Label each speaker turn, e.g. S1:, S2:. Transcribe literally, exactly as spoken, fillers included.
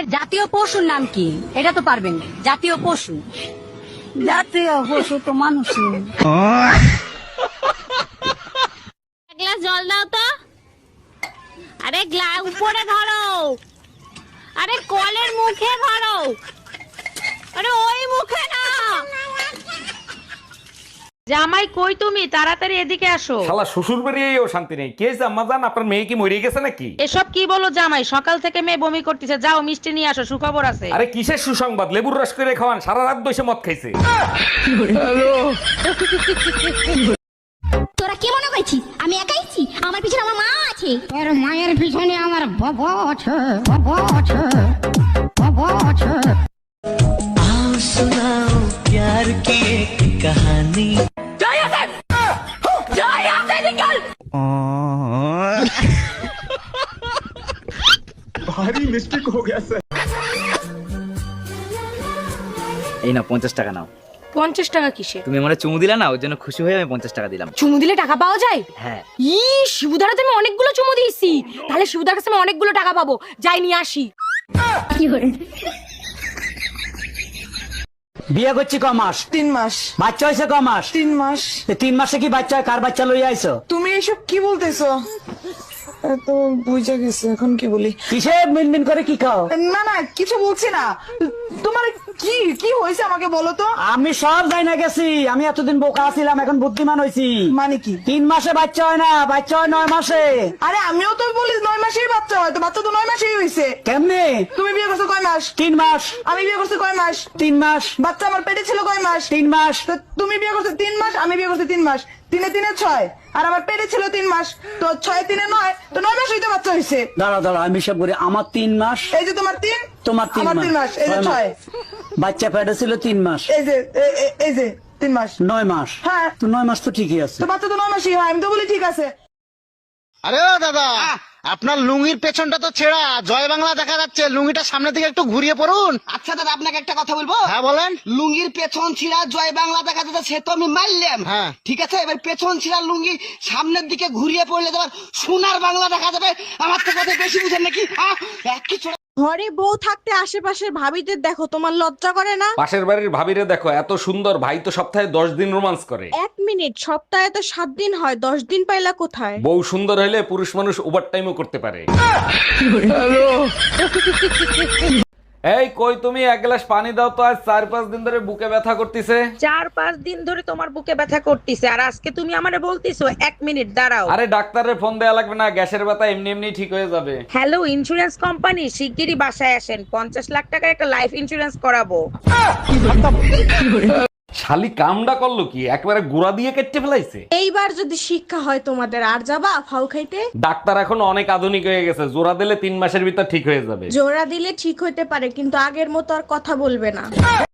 S1: জাতীয় পশুর নাম কি? এটা তো পারবেন না। জাতীয় পশু,
S2: জাতীয় পশু তো মানুষই।
S3: এক গ্লাস জল দাও তো। আরে গ্লাস উপরে ধরো, আরে কলের মুখে ধরো, আরে ওই মুখে না।
S4: জামাই কই তুমি? তাড়াতাড়ি এদিকে আসো।
S5: শালা শ্বশুর বাড়িয়েও শান্তি নেই। কে জাম্মা জান, আপনার মেয়ে কি মরে গেছে নাকি?
S4: এসব কি বলো জামাই? সকাল থেকে মেয়ে বমি করতেছে, যাও মিষ্টি নিয়ে আসো, সুখবর আছে।
S5: আরে কিসের সুসংবাদ? লেবুর রস করে খাওয়ান, সারা রাত বসে মদ খাইছে।
S6: তোরা কি মনে করছিস আমি একাইছি? আমার পিছনে আমার মা আছে।
S2: তোর মায়ের পিছনে আমার বাবা আছে, বাবা আছে, বাবা আছে।
S7: आओ सुनाओ प्यार की एक कहानी।
S8: এই না পঞ্চাশ টাকা নাও।
S9: পঞ্চাশ টাকা কিসে?
S8: তুমি আমার চুমু দিলা না, ওর জন্য খুশি হয়ে আমি পঞ্চাশ টাকা দিলাম।
S9: চুমু দিলে টাকা পাওয়া যায়?
S8: হ্যাঁ।
S9: ই শিবুদারাতে আমি অনেকগুলো চুমু দিয়েছি, তাহলে শিবুদার কাছে আমি অনেকগুলো টাকা পাবো। যাই নিয়ে আসি।
S10: বিয়ে করছি ক মাস?
S11: তিন মাস।
S10: বাচ্চা হয়েছে ক মাস?
S11: তিন মাস।
S10: এ তিন মাসে কি বাচ্চা হয়? কার বাচ্চা লইয়া আইছো?
S11: তুমি এসব কি বলতেছো? তো বুঝা গেছে, এখন কি বলি?
S10: কিসে মিনমিন করে কি খাও?
S11: না না কিছু বলছি না। তোমার কি কি হয়েছে আমাকে বলো তো।
S10: আমি সব যাই না গেছি, আমি এতদিন বোকা ছিলাম, এখন বুদ্ধিমান হয়েছি।
S11: মানে কি?
S10: তিন মাসে বাচ্চা হয় না, বাচ্চা হয় নয় মাসে।
S11: আরে আমিও তো বলি নয় মাসেই বাচ্চা হয়, তো বাচ্চা তো নয় মাসেই হয়েছে।
S10: কেমনে?
S11: তুমি বিয়ে করছো কয় মাস?
S10: তিন মাস।
S11: আমি বিয়ে করছি কয় মাস?
S10: তিন মাস।
S11: বাচ্চা আমার পেটে ছিল কয় মাস?
S10: তিন মাস।
S11: তো তুমি বিয়ে করছো তিন মাস, আমি বিয়ে করছি তিন মাস। তিনে তিনে ছয়, আর আমার পেটে ছিল তিন মাস, তো ছয় তিনে নয়, তো নয় মাস হইতে বাচ্চা হয়েছে।
S10: দাঁড়া দাঁড়া আমি সব করি। আমার তিন মাস,
S11: এই যে তোমার তিন,
S10: তোমার তিন
S11: আমার তিন মাস, এই যে ছয়।
S10: বাচ্চা পেটে ছিল তিন মাস,
S11: এই যে এ- এ- এই যে তিন মাস,
S10: নয় মাস।
S11: হ্যাঁ
S10: তো নয় মাস তো ঠিকই আছে।
S11: তো বাচ্চা তো নয় মাসই হয়, আমি তো বলি ঠিক আছে।
S12: আরে ও দাদা, আপনার লুঙ্গির পেছনটা তো ছেঁড়া, জয় বাংলা দেখা যাচ্ছে, লুঙ্গিটা সামনে থেকে একটু ঘুরিয়ে পড়ুন।
S13: আচ্ছা দাদা, আপনাকে একটা কথা বলবো।
S12: হ্যাঁ বলেন।
S13: লুঙ্গির পেছন ছিঁড়া জয় বাংলা দেখা যাচ্ছে, সে তো আমি মারলাম।
S12: হ্যাঁ
S13: ঠিক আছে, এবার পেছন ছিঁড়া লুঙ্গি সামনের দিকে ঘুরিয়ে পড়লে তোমার সোনার বাংলা দেখা যাবে। আমার তো কথা বেশি বুঝেন নাকি? আহ, এক কিছু
S9: ঘরে বউ থাকতে আশেপাশের ভাবিদের দেখো, তোমার লজ্জা করে না?
S5: পাশের বাড়ির ভাবিরে দেখো, এত সুন্দর, ভাই তো সপ্তাহে দশ দিন রোমান্স করে।
S9: এক মিনিট, সপ্তাহে তো সাত দিন হয়, দশ দিন পাইলা কোথায়?
S5: বউ সুন্দর হলে পুরুষ মানুষ ওভার টাইমও করতে পারে। এই কই তুমি, এক গ্লাস পানি দাও তো, আজ চার পাঁচ দিন ধরে বুকে ব্যথা করতেছে।
S4: চার পাঁচ দিন ধরে তোমার বুকে ব্যথা করতেছে, আর আজকে তুমি আমারে বলতিছো? এক মিনিট দাঁড়াও।
S5: আরে ডাক্তারের ফোন দেয়া লাগবে না, গ্যাসের ব্যথা এমনি এমনি ঠিক হয়ে যাবে।
S4: হ্যালো ইন্স্যুরেন্স কোম্পানি, শিগগিরই বাসায় আসেন, পঞ্চাশ লাখ টাকার একটা লাইফ ইন্স্যুরেন্স করাবো।
S5: শালি কামডা করলো কি, একবারে গুড়া দিয়ে কেটে ফেলাইছে।
S9: এইবার যদি শিক্ষা হয় তোমাদের, আর যাবা ফাউ খাইতে?
S5: ডাক্তার এখন অনেক আধুনিক হয়ে গেছে, জোড়া দিলে তিন মাসের ভিতর ঠিক হয়ে যাবে।
S9: জোড়া দিলে ঠিক হইতে পারে, কিন্তু আগের মতো আর কথা বলবে না।